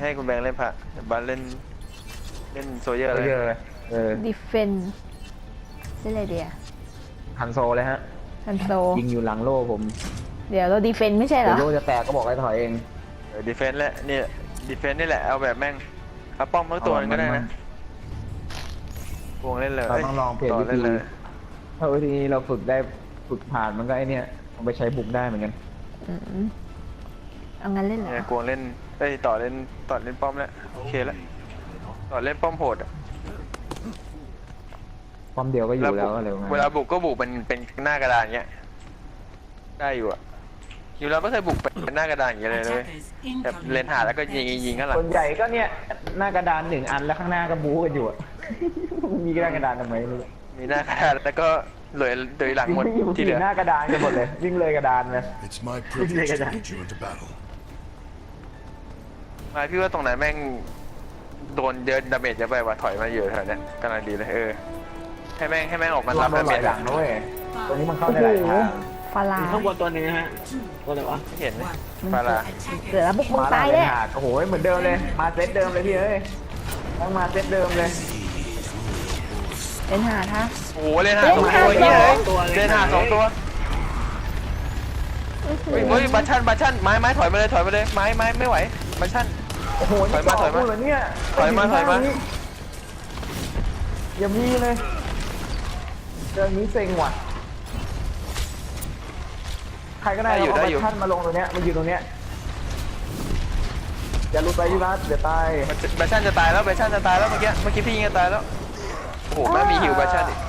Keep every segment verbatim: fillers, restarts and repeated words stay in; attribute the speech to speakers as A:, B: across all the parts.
A: ให้คุณแบงค์เล่นพระบัสเล่นเล่นโซเยอร์เลย
B: เออ
C: ดิเฟนเล่นอะไรเดีย
B: ฮันโซเลยฮะ
C: ฮันโซ
B: ยิงอยู่หลังโล่ผม
C: เดี๋ยวเราดิเฟนไม่ใช่เหร
B: เดี๋ย
C: อ
B: วโล่จะแตกก็บอกให้ถอยเอง
A: เออดีเฟนส์แหละนี่ดีเฟนส์นี่แหละเอาแบบแม่งเอาป้อมทั้งตัวนึงก็ได้นะวงเล่นเลย
B: เราต้องลองเปลี่ยน
A: ต่
B: วิ
A: เล่
B: ธี
A: นเลย
B: ถ้าวิธีเราฝึกได้ฝึกผ่านมันก็ไอเนี้ยเอาไปใช้บุกได้เหมือนกัน
C: อืมเอางั้นเล่นเหรอ
A: เนี่ยกวงเล่นเอ้ยต่อเล่นต่อเล่นป้อมแล้วโอเคแล้วต่อเล่นป้อมโหดอะ
B: ป้อมเดียวก็อยู่แล้ว
A: บุก
B: อะไรประมาณ
A: เวลาบุกก็บุกเป็นเป็นหน้ากระดานเงี้ยได้อยู่อะอยู่แล้วไม่เคยบุกเป็นหน้ากระดานอย่างเงี้ยเลยเลยแบบเลนหาแล้วก็ยิงยิงข้างหลัง
B: ส่วนใหญ่ก็เนี่ยหน้ากระดานหนึ่งอันแล้วข้างหน้าก็บู๊กันอยู่อะ มีหน้ากระดานทำไมไม่รู้
A: มีหน้ากระดานแล้วก็เหลือเหลือหลังหมด
B: อยู่
A: ที่เหลือ
B: หน้ากระดานกันหมดเลย วิ่งเลยกระดานเลย
D: It's my privilege to lead you into battle.
A: มาพี่ว่าตรงไหนแม่งโดนเยอะดาเมจเยอะไปว่ะถอยมาอยู่แถวเนี้ยกำลังดีเลยเออให้แม่งให้แม่งออกมารับ
B: โด
A: ดาน
B: ห
A: เม
B: ลา
A: จ
B: ยหลังนะเว้ยตัวนี้มันเข้าได้หลายทาง
C: ฟาลา
E: ข้างบนตัวหนึงนะฮะ ตัวอะไรวะ
A: ไม่เห็นไหม
C: มัน
A: ฟารา
C: เดี๋ยวแล้วบุกมึง
B: มา
C: ตาย
B: เล
C: แน่
B: ยหาโอ้โหเหมือนเดิมเลย มาเซตเดิมเลยพี่เอ้ยต้องมาเซตเดิมเลย
C: เล่นหาท่า
A: โอ้โหเลนหา
C: เล่น
A: สอง
C: หา
A: ตัวเหี้ยเลย
E: ตัวเลย
A: เลนหาสองตัวเฮ้ยเฮ้ยบัชชันบัชชันไม้ไม้ถอยมาเลยถอยมาเลยไม้ไม้ไม่ไหวบัชชัน
B: โอ้โห
A: ถอยมาถอยมา
B: เหรอเนี่ย
A: ถอยมาถอยมา
B: อย่ามีเลยเรื่องนี้เซ็งว่ะใครก็ได้
A: ได้อยู่
B: เอา
A: ได้
B: บั
A: อยู่
B: ตชันมาลงตรงเนี้ยมาอยู่ตรงเนี้ยอย่าหลุดไปพี่รัตเดี๋ยวตาย
A: บัชชันจะตายแล้วบัชชันจะตายแล้วเมื่อกี้เมื่อกี้พี่ยิงจะตายแล้วโอ้โหแม่งมีฮิวบัชชันอีก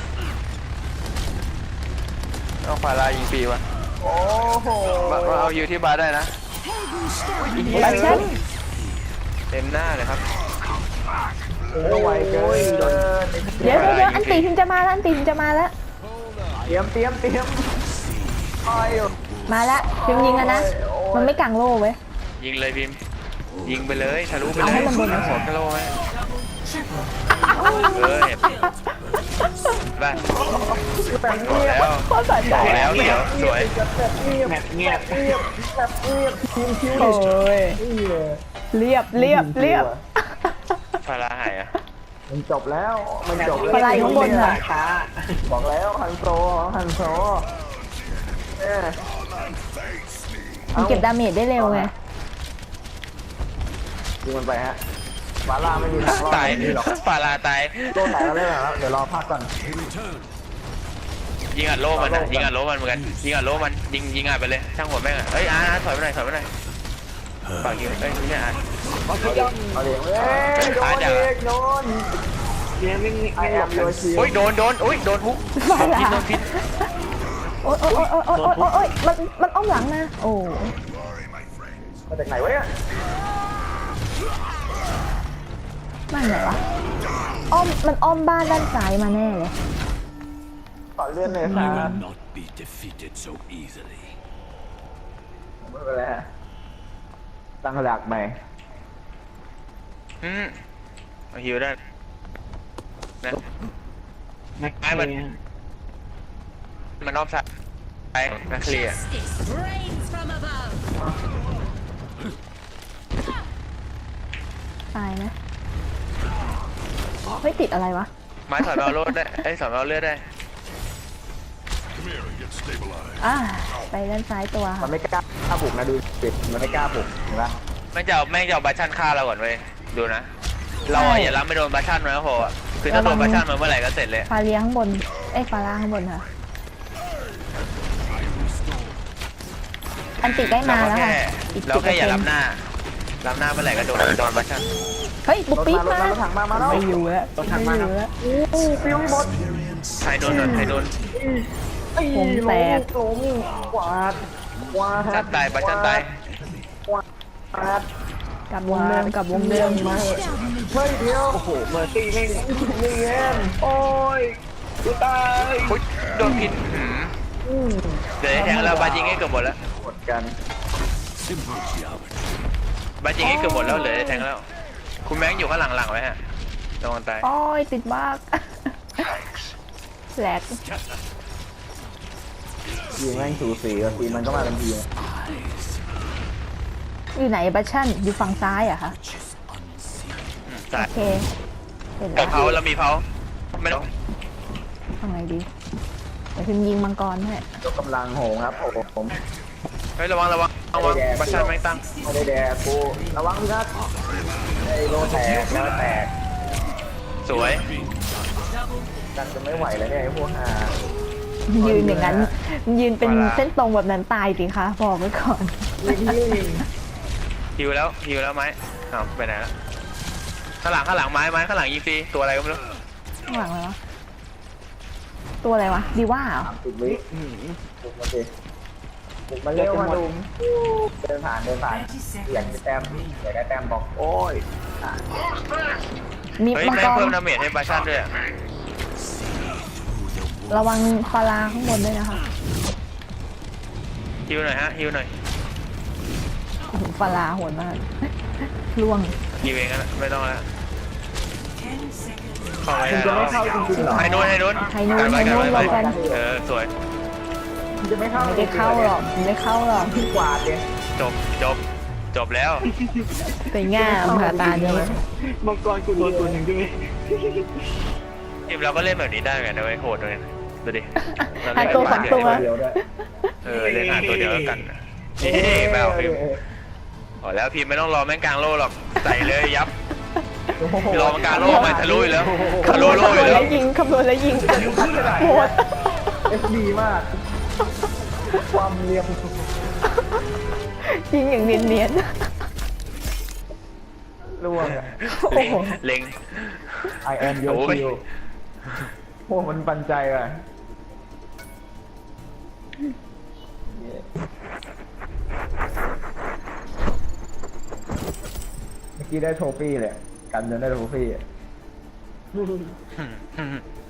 A: เอาฟารายิงฟรีวะ
B: โอ้โห
A: มามาเอาฮิวที่บาร์ได้นะ
C: บัชชัน
A: เต็มหน้าเลยครับ
B: ก็ไวเกิน
C: เดี๋ยวเดี๋ยวเดี๋ยวอันตีพิมจะมาแล้วอันตีพิมจะมาแล้ว
B: เตรียมเตรียมเตรียมคอยอยู่
C: มาแล้วพิมยิงแล้วนะ มันไม่กังโล่เว้ย
A: ยิงเลยพิมพ์ยิงไปเลยทะลุไปเล
C: เอาให้
A: ย
C: มันโดน
A: ขอกระโลไหมเออเห็นบ้านบอกแล้ว
C: โคตรสะใจ
A: บอกแล้วเดี๋ยวสวย
B: แบบเงียบ
E: แมปเงียบ
B: เงียบแบบเงียบทีมคิว
C: โอ้ย
B: นี่เลย
C: เรียบเรียบเรียบ
A: ฟาราหายอ่ะ
B: มันจบแล้วมันจบ
C: พลายข้างบนน่ะ
E: ช้า
B: บอกแล้วฮันโซฮันโซเออ
C: มันเก็บดาเมจได้เร็วไง
B: ยิงมันไปฮะบาร่าไม่มีทางรอด
A: ตาย
B: นี่หรอก
A: ฟาราตาย
B: โดนไหนก็ได้แล้วเดี๋ยวรอพักก่อน
A: ยิงอัดโล่มันนะยิงอัดโล่มันเหมือนกันยิงอัดโล่มันยิงยิงอัดไปเลยช่างหัวแม่งอ่ะเอ้ยอาร์ถอยไปหน่อยถอยไปหน่อยฝากยิงเอ้ยไม่ใช่อาร์
B: เอาเดี๋ยวเอ้ยโดนเอกโดน
E: เนี่ยไม่
B: ไอ
E: ไม่
B: แอ
E: หล
B: ม
E: บ
B: โยชิ
A: โอ้ยโดนโดนโอ้ยโดนฮุกโดนพิษโดนพิษ
C: โอ๊ยโอ๊ยโอ๊ยโอ๊ยโอ๊ยโอ๊ยโอ๊ยมันมันอ้อมหลังมาโอ้
B: มาจากไหนวะเนี่ย
C: มาไหนวะอ้อมมันอ้อมบ้านด้านซ้ายมาแน่เลย
B: ต่อเลื่อนเลยค
D: You
B: รับ
D: will not be defeated so easily.
B: ไม่เป็นไรฮะตั้งหลักใหม่
A: อืมเอาฮิวได้นะ
E: แม็กเนีย
A: มันนอกสายไปนะเคลียร์
F: Rains from above.
C: ตายนะเฮ้ยติดอะไรวะ
A: ไม้ถอยมาเอารถได้ไอ้ยถอยมาเอาเลือดได้
D: Come here and get stabilized.
C: อ่าไปด้านซ้ายตัว
B: มั
C: ค่ะ
B: นไม่กล้าบุกนะดูสิมันไม่กล้าบุกเห็นปะ
A: แม่งจะเอาแม่งจะเอาบัชชันฆ่าเราก่อนเว้ยดูนะเราอะอย่ารับไม่โดนบัชชันมันก็พออะคือถ้าโดนบัชชันมันเมื่อไหร่ก็เสร็จเลย
C: ฟาเลียข้างบนเอ้ยฟาร่าข้างบนค่ะอันติใกล้
A: เรา
C: มา
A: ก็
C: แล้ว
A: แค่
C: ค่ะอีก
A: เรา
C: สิบเปอ
A: แค่
C: ร์
A: อ
C: เซ็
A: ย่าน รับ
C: ต์
A: หน้ารับหน้าเมื่อไหร่ก็โดนโดนบัชชัน
C: เฮ้ยบุกปี๊ด
B: รถ
C: มา
B: รถถังมามาแล้ว
C: ไม่อยู่แล้ว
E: ตัวทาง
C: ไม่
E: มา
C: อ
E: ครับ
C: ยู่แล้ว
B: อู้ฟิวหมด
A: ใครโดนโดนใครโดน
C: วงแตก
B: ล้มกวาดกวาด
A: บัชชันตายบัชชันตาย
B: กวาด
C: กลับวงเดิมกลับวงเดิม
B: มาเฮ้ยเดียว
E: โอ้โหเมอร์ซี่แม่ง
B: นี่เงี้ย
E: โอ้ยกูตาย
A: อุ๊ยโดนพิษหืม
B: อืม
A: เดี๋ยวไอ้แทงเราบัชยิงให้เกือบหมดแล้ว
B: หมดกัน
D: Simple geometry.
A: บัชยิงให้เกือบหมดแล้วเหลือไอ้แทงแล้วคุณแบงค์อยู่ข้างหลังๆไว้ฮะระวังตาย
C: โอ้ยติดบ้ากแหลก
B: ทีมแม่งสูสีกับทีมมันก็มาทันทีนะ
C: อยู่ไหนบัชชั่นอยู่ฝั่งซ้ายเหรอะคะ
A: อืมใช่
C: โอเคเห็น
A: มี
C: แล้ว
A: เผาแล้วมีเผาไม่ต้อง
C: ทำไงดีเดี๋ยวพิมพ์ยิงมังกรให้
B: ยกกำลังโหงครับผมผม
A: เฮ้ยระวังระวังระวังบัชชันไม่ตั้ง
B: ไม่ได้แดกกูระวังครับไอ้โลแตกแล้วแตก
A: สวย
B: กันจะไม่ไหวแล้วเนี่ยไอ้พวกหา
C: ยืนอย่างนั้นยืนเป็นเส้นตรงแบบนั้นตายสิคะบอกไว้ก่อน
B: ยิงยิง
A: ฮิวแล้วฮิวแล้วไม้อ้าวไปไหนแล้วข้างหลังข้างหลังไม้ไม้ข้างหลังยิงฟรีตัวอะไรก็ไม่รู้
C: ข้างหลังเลยวะตัวอะไรวะดีว่าเหรอ
B: สามสิบวิบุกมาสิบุกมาเร็วมาดุมเดินผ่านเดินผ่านอยากได้แต้มอยากได้แต้มบอกโอ้ย
C: มี
A: เฮ้ย
C: มัง
A: แม่
C: ก
A: ง
C: ร
A: เพิ่มดาเมจให้บัชชันด้วยอะ
C: ระวังปลาร้าข้างบนด้วยนะคะ
A: ฮิวหน่อยฮะฮิวหน่อย
C: โอ้โหปลาร้าโหดมากล่วง
A: ฮิวเองนะไม่ต้องแล้วเข้าไป
B: คุณ
A: แล้
B: จะ
A: ว
B: ไม่เข้าจริงๆเหรอ
A: ให้นู้นให้นู้น
C: ให้นู้น
A: กัไว้
C: ให้นู้น
A: กัไว้
C: รวมกัน
A: เออสวย
B: คุณจะไม่เข้า
C: ไม่ได้เข้าหรอกไม่ได้เข้าหรอก
B: พี่กวาดเนี่ย
A: จบจบจบแล้ว
C: สวยงามค่ะตานี้
E: มังกรกูโดนตัวหนึ่งใช่ไหม
A: ทีมเราก็เล่นแบบนี้ได้ไงนะเว้ยโหดเลยนะดูดิเรา
C: หา
A: เล่น
C: ตัวสองตัว
B: เดียวด้วย
A: เออเล่นหาตัวเดียวแล้วกันนะนี่แมวพิมพ์พอแล้วพิมพ์ไม่ต้องรอแม่งกลางโลหรอกใส่เลยยับรอมันกลางโลไม่ทะลุอยู่แล้วทะลุโล
C: คำน
A: อ
C: วณ
A: ยู่แล้ว
C: แล้วยิงคำนวณแล้วยิงโหด
B: เอฟดีมาก ความเรียม
C: ยิงอย่างเนียน
B: ล่วงอะ
C: ๆโอ้โห
A: เล็ง
B: I am your
A: โอ้ย
B: kill โอ้มันปันใจว่ะเมื่อกี้ได้โทฟี่เลยกันจนได้โทฟี่อะ
A: อืม